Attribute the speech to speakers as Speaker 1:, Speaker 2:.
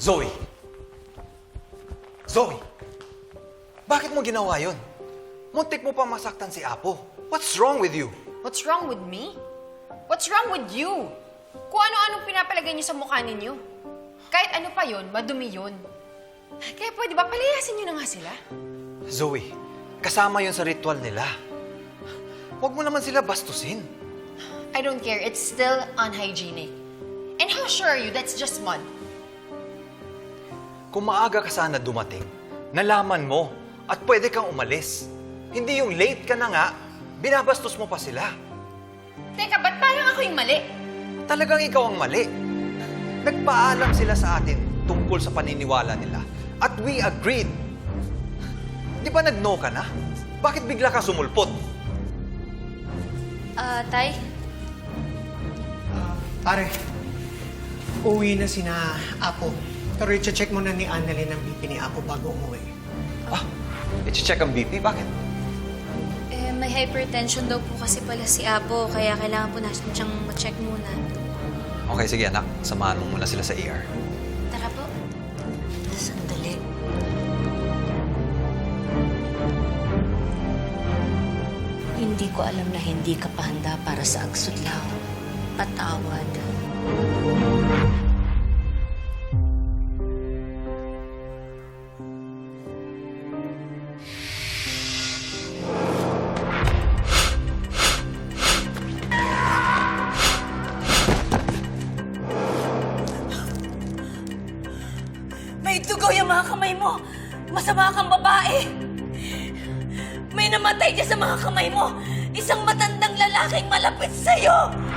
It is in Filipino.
Speaker 1: Zoe! Zoe! Bakit mo ginawa yun? Muntik mo pa masaktan si Apo. What's wrong with you?
Speaker 2: What's wrong with me? What's wrong with you? Kung ano-anong pinapalagay niyo sa mukha ninyo. Kahit ano pa yun, madumi yun. Kaya pwede ba palayasin niyo na nga sila?
Speaker 1: Zoe, kasama yun sa ritual nila. Huwag mo naman sila bastusin.
Speaker 2: I don't care. It's still unhygienic. And how sure are you that's just mud?
Speaker 1: Kung maaga ka sana dumating, nalaman mo at pwede kang umalis. Hindi yung late ka na nga, binabastos mo pa sila.
Speaker 2: Teka, ba't parang ako yung mali?
Speaker 1: Talagang ikaw ang mali. Nagpaalam sila sa atin tungkol sa paniniwala nila. At we agreed. Di ba nag-no ka na? Bakit bigla ka sumulpot?
Speaker 3: Tay?
Speaker 4: Pare, uwi na sina Apo. Pero i-check muna ni Annalyn ang BP ni Apo bago umuwi.
Speaker 1: Ah, i-check ang BP? Bakit?
Speaker 3: May hypertension daw po kasi pala si Apo, kaya kailangan po natin siyang ma-check muna.
Speaker 1: Okay, sige anak. Samahan mo muna sila sa ER.
Speaker 3: Tara po. Sandali.
Speaker 5: Hindi ko alam na hindi ka pa handa para sa agsudlaw. Patawad.
Speaker 6: May dugo yung mga kamay mo. Masama kang babae. May namatay dyan sa mga kamay mo. Isang matandang lalaking malapit sa'yo.